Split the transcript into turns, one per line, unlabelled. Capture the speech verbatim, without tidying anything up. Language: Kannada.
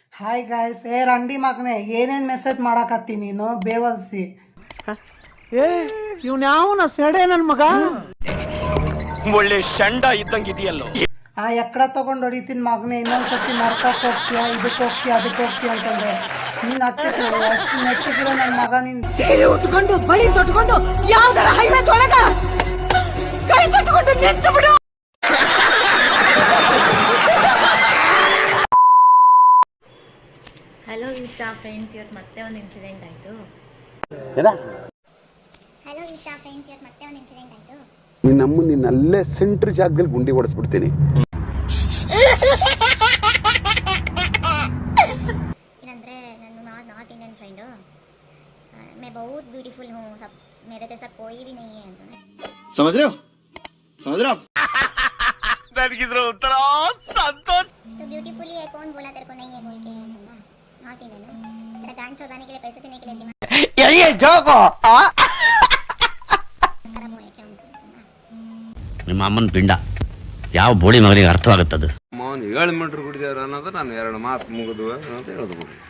ಹಾಯ್ ಗಾಯ್ಸ್, ಏ ರಂಡಿ ಮಗನೆ, ಏನೇನ್ ಮೆಸೇಜ್ ಮಾಡಾಕತ್ತಿ ನೀನು ಬೇವಲ್ಸಿ?
ಏ ಇವ್ನ ಯಾವನ ಸೆಡೆ ನನ್ ಮಗ,
ಒಳ್ಳೆ ಶಂಡ ಇದ್ದಂಗಿದೆಯಲ್ಲೋ.
ಆ ಎಕ್ಕಡ ತಗೊಂಡ್ ಹೊಡಿತೀನಿ ಮಗನೆ, ಇನ್ನೊಂದ್ಸತಿ ನರ್ಕಕ್ಕೆ ಹೋಗ್ತೀಯ, ಇದಕ್ಕೆ ಹೋಗ್ತೀಯ, ಅದಕ್ಕೆ ಹೋಗ್ತೀಯ ಅಂತಂದ್ರೆ ನೀನ್ ಹತ್ತಿತ್ತು ಅಷ್ಟು ನೆಟ್ಟಿಗಿರೋ ನನ್ನ ಮಗ. ನೀನ್
ಸೀರೆ ಉಟ್ಕೊಂಡು ಬಳಿ ತೊಟ್ಕೊಂಡು ಯಾವ್ದಾರ ಹೈವೇ ತೊಳಗ ಕೈ ತೊಟ್ಕೊಂಡು ನಿಂತು ಬಿಡು.
ಹಲೋ ಇನ್ಸ್ಟಾ ಫ್ರೆಂಡ್ಸ್, ಇವತ್ತು ಮತ್ತೆ ಒಂದು ಇನ್ಸಿಡೆಂಟ್ ಆಯಿತು. ಹಲೋ ಇನ್ಸ್ಟಾ ಫ್ರೆಂಡ್ಸ್, ಇವತ್ತು ಮತ್ತೆ ಒಂದು ಇನ್ಸಿಡೆಂಟ್ ಆಯಿತು.
ನಿನ್ನಮ್ಮ ನಿನ್ನಲ್ಲೇ ಸೆಂಟ್ರ್ ಜಾಗದಲ್ಲಿ ಗುಂಡಿ ಹೊಡೆಸ್ಬಿಡ್ತೀನಿ.
ಏನಂದರೆ ನಾನು ನಾಟ್ ನಾಟ್ इंडियन फ्रेंड हूँ, मैं बहुत ब्यूटीफुल हूँ, सब मेरे जैसा कोई भी नहीं है ಅಂತ.
समझ रहे हो समझ रहे हो आप?
ನನಗಿದ್ರ ಉತ್ತರ ಸಂತೋಷ.
तो ब्यूटीफुल ही है, कौन बोला तेरे को नहीं है बोल के? नॉट इंडियन हूँ, तेरा गांड चौधाने के लिए, पैसे देने के लिए दिमाग
ये जोको
खराब हुआ है क्या उनका?
ನಿಮ್ಮ ಅಮ್ಮನ ಪಿಂಡ ಯಾವ ಬೋಳಿ ಮಗನಿಗೆ ಅರ್ಥವಾಗುತ್ತದು?
ಮೌನ್ ಏಳು ಮೀಟರ್ ಕುಡಿದಾರ ಅನ್ನೋದು ನಾನು ಎರಡು ಮಾತು ಮುಗಿದ್ವು ಅಂತ ಹೇಳಿದ್ಬಿಡು.